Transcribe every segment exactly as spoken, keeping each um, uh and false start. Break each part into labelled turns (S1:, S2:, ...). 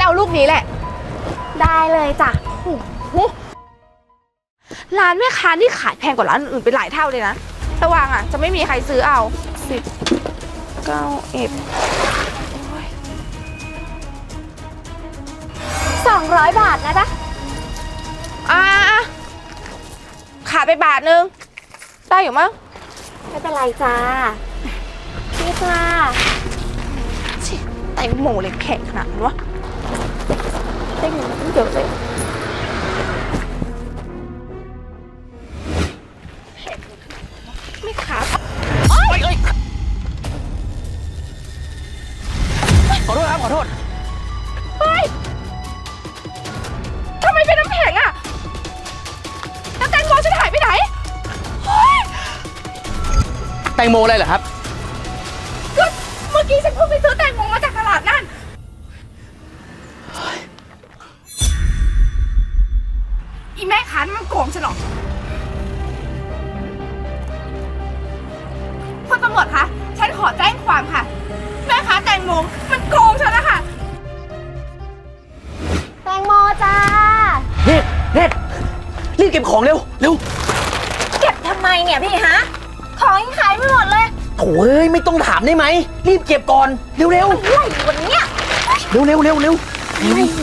S1: เอาลูกนี้แหละ
S2: ได้เลยจ้ะ
S1: ร้านแม่ค้านี่ขายแพงกว่าร้านอื่นไปหลายเท่าเลยนะระวังอ่ะจะไม่มีใครซื้อเอาสิบเก้าเอ็ด
S2: สองร้อยบาทนะจ๊ะ
S1: อ่าขาดไปบาทนึงได้อยู่มั้ง
S2: ไม่เป็นไรจ้าพี่จ้า
S1: แตงโมเลยแข็งขนาดนั้นวะได้เงินมาตั้งเยอะเลยไม่ขาด
S3: เอ้ยขอโทษครับขอโทษ
S1: เฮ้ยทำไมเป็นน้ำแข็งอะแล้วแตงโมฉันหายไปไหนเฮ้ย
S3: แตงโมอะไรเหรอครับ
S1: ก็เมื่อกี้ฉันเพิ่งไปซื้อแตงโมมาจากตลาดนั่นอีแม่ค้ามันโกงฉันหรอคุณตำรวจคะฉันขอแจ้งความค่ะแม่ค้าแตงโมมันโกงฉันนะคะ
S2: แตงโมจ้า
S3: เน็ตเน็ตรีบเก็บของเร็วเร็ว
S2: เก็บทำไมเนี่ยพี่ฮะของยังขายไม่หมดเลย
S3: โถ่เอ้ยไม่ต้องถามได้ไหมรีบเก็บก่อนเร็วเร็ว
S2: อะไรวันเนี้ย
S3: เร็วเร็วเร็วเร็ว
S2: อะไรพี่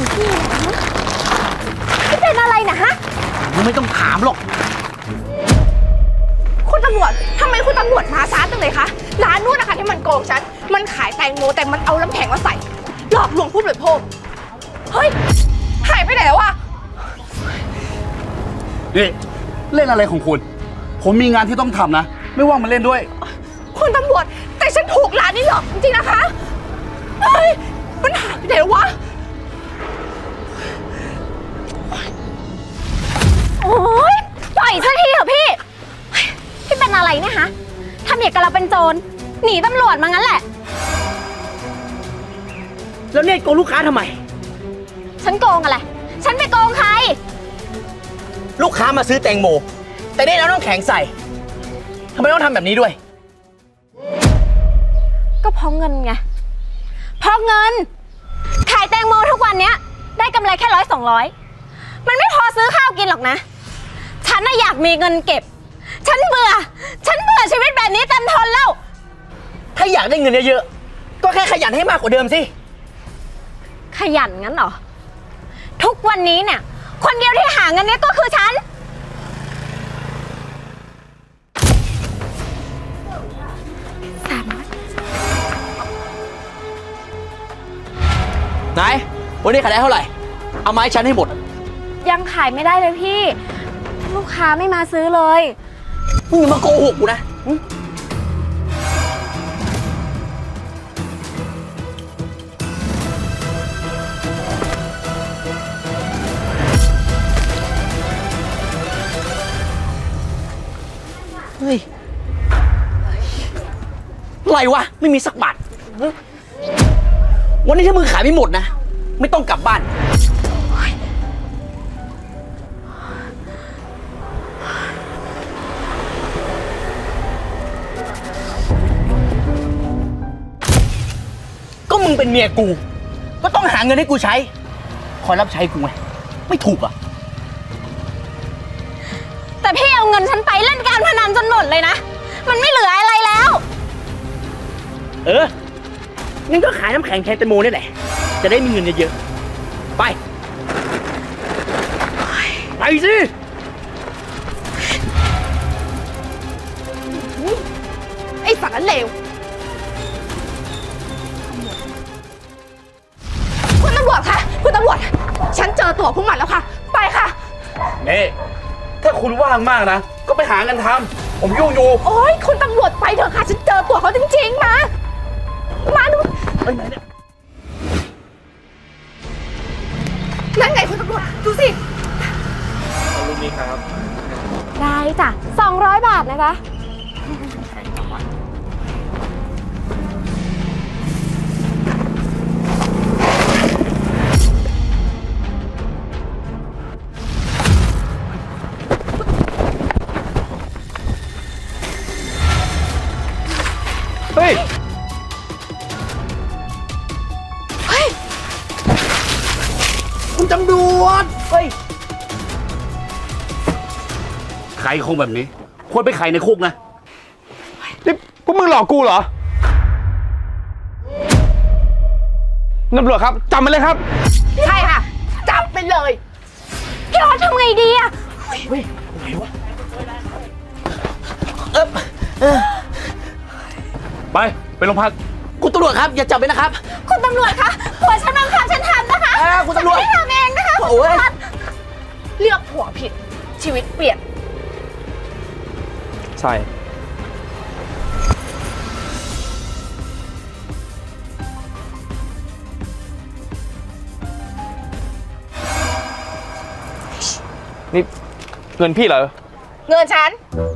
S2: พี่เป็นอะไรนะฮะ
S3: ไม่ต้องถามหรอก
S1: คุณตำรวจทำไมคุณตำรวจมาช้าจังเลยคะร้านนู้นนะคะที่มันโกงฉันมันขายแตงโมแต่มันเอาน้ำแข็งมาใส่หลอกลวงผู้บริโภคเฮ้ยหายไปไหนแล้วอะ
S4: นี่เล่นอะไรของคุณผมมีงานที่ต้องทำนะไม่ว่างมาเล่นด้วย
S1: คุณตำรวจแต่ฉันถูกร้านนี้หลอกจริงๆนะคะเฮ้ยมันหายไปไหนแล้ววะ
S2: โอ๊ยปล่อยสักทีเถอะพี่พี่เป็นอะไรเนี่ยฮะทำอย่างกับเราเป็นโจรหนีตำรวจมางั้นแหละ
S3: แล้วเนี่ยโกงลูกค้าทำไม
S2: ฉันโกงอะไรฉันไปโกงใคร
S3: ลูกค้ามาซื้อแตงโมแต่ได้แล้วน้ำแข็งใส่ทำไมต้องทำแบบนี้ด้วย
S2: ก็เพราะเงินไงเพราะเงินขายแตงโมทุกวันเนี้ยได้กำไรแค่ร้อยสองร้อยมันไม่พอซื้อข้าวกินหรอกนะฉันน่ะอยากมีเงินเก็บฉันเบื่อฉันเบื่อชีวิตแบบนี้เต็มทนแล้ว
S3: ถ้าอยากได้เงินเยอะๆก็แค่ขยันให้มากกว่าเดิมสิ
S2: ขยันงั้นเหรอทุกวันนี้เนี่ยคนเดียวที่หาเงินเนี้ยก็คือฉันสามร้อย
S3: ไหนวันนี้ขายได้เท่าไหร่เอาไม้ฉันให้หมด
S2: ยังขายไม่ได้เลยพี่ลูกค้าไม่มาซื้อเลย
S3: มึงอย่ามาโกหกกูนะเฮ้ยอะไรวะไม่มีสักบาทวันนี้ถ้ามึงขายไม่หมดนะไม่ต้องกลับบ้านก็มึงเป็นเมียกูก็ต้องหาเงินให้กูใช้คอยรับใช้กูไงไม่ถูกอ่ะ
S2: แต่พี่เอาเงินฉันไปเล่นการพนันจนหมดเลยนะมันไม่เหลืออะไรแล้ว
S3: เอองั้นก็ขายน้ำแข็งแทนแตงโมนี่แหละจะได้มีเงินเยอะๆไปไปสิ
S1: ไอ้สารเลวคุณตำรวจคะคุณตำรวจฉันเจอตัวพวกมันแล้วค่ะไปค่ะ
S4: นี่ถ้าคุณว่างมากนะก็ไปหางานทำผมยุ่งอยู่
S1: โอ๊ยคุณตำรวจไปเถอะค่ะฉันเจอตัวเขาจริงๆมามาดู
S4: ไปไหนเนี่ย
S1: นั่นไงคุณตำรวจดูสิ
S4: เอาลูกนี้ครับ
S2: ได้จ้ะสองร้อยบาทนะจ๊ะ
S4: เฮ้ย
S1: เฮ้ย
S3: ตำรวจ เฮ้ย
S4: ใครคงแบบนี้ ควรไปไขในคุกนะ
S5: นี่พวกมึงหลอกกูเหรอตำรวจครับจับมันเลยครับ
S1: ใช่ค่ะ จับไปเลย
S2: พี่ออสทำไงดีอะ
S4: ไป ไปโรงพัก
S3: คุณตำรวจครับ อย่าจับไปนะครับ
S2: คุณตำรวจคะผัวฉันบังคับฉันทำนะคะ
S3: อ่าคุณตำรวจ
S2: ฉันไม่ทำเองนะคะ
S3: โอ้ย
S1: เลือกผัวผิด ชีวิตเปลี่ยน
S5: ใช่ นี่เงินพี่เหรอ
S1: เงินฉัน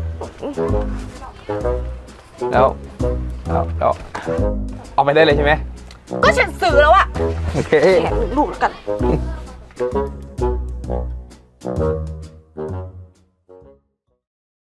S5: แล้วแล้วแล้วเอาไปได้เลยใช่ไหม
S1: ก็ฉันซื้อแล้วอะ
S5: โอเค
S1: แกะลูกแล้วกัน